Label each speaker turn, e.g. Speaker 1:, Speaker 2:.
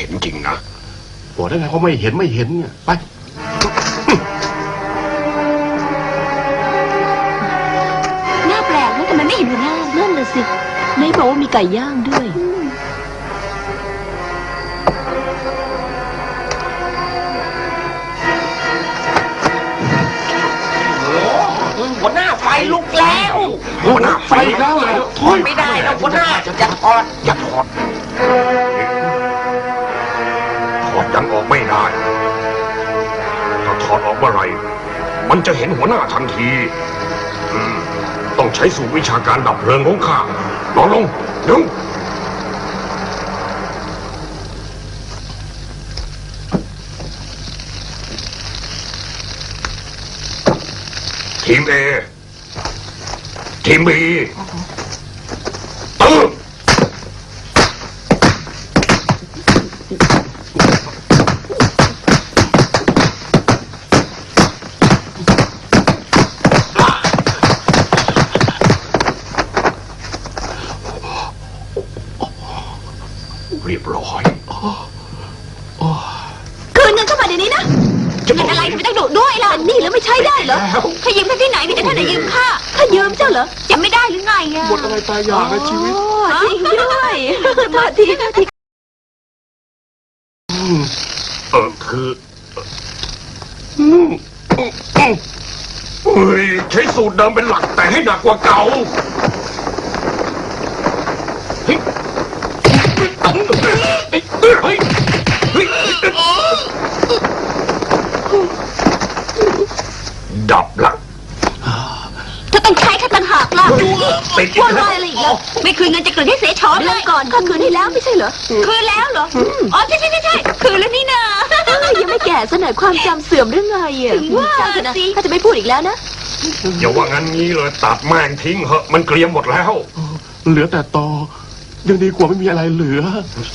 Speaker 1: ห็นจริงนะ
Speaker 2: บอกได้ไงเขาไม่เห็นเนี่ยไป
Speaker 3: หน้าแปลกนะทำไมไม่เห็นหัวหน้านั่นน่ะสิไม่บอกว่ามีไก่ย่างด้วย
Speaker 4: หัวหน้าไฟลุกแล้ว
Speaker 1: หัวหน้าไฟแล้วเหรอ
Speaker 4: ทนไม่ได้แล้วหัวหน้าจะถอด
Speaker 1: อย่าถอดถอดยังออกไม่ได้ถ้าถอดออกเมื่อไหร่มันจะเห็นหัวหน้าทันทีต้องใช้สูตรวิชาการดับเพลิงของข้านอนลงเร็วทีม A ทีม B ตื่นเรียบร้อย
Speaker 3: คืนเงินเข้ามาเดี๋ยวนี้นะเงินอะไรทำไมต้องดุด้วยล่ะนี่แล้วไม่ใช่ได้เหรอข้ายืมท่านที่ไหนมีแต่ท่านไหนยืมข้ายืมเจ้าเหรอจำไม่ได้หรือไงอะ
Speaker 2: หมดอะไรตายอยากนะชีวิต
Speaker 3: จริงด้วยโทษที
Speaker 1: คือเฮ้ยใช้สูตรเดิมเป็นหลักแต่ให้หนักกว่าเก่าเฮ้ยดับละ
Speaker 3: ถ้าต้องใช้ข้าต่างหากล่ะ
Speaker 1: ติด
Speaker 3: ว่าอะไรอีกล่ะไม่คืนเงินจะคืนให้เสียช็อตเลยก่อนก็คืนให้แล้วไม่ใช่เหรอคืนแล้วเหรออ๋อใช่คืนแล้วนี่นายังไม่แก่ซะหน่อยความจำเสื่อมหรือไงอ่ะถึงว่าสิข้าจะไม่พูดอีกแล้วนะ
Speaker 1: อย่าว่างั้นงี้เลยตัดแม่งทิ้งเหอะมันเกรียมหมดแล้ว
Speaker 2: เหลือแต่ตอยังดีกว่าไม่มีอะไรเหลือ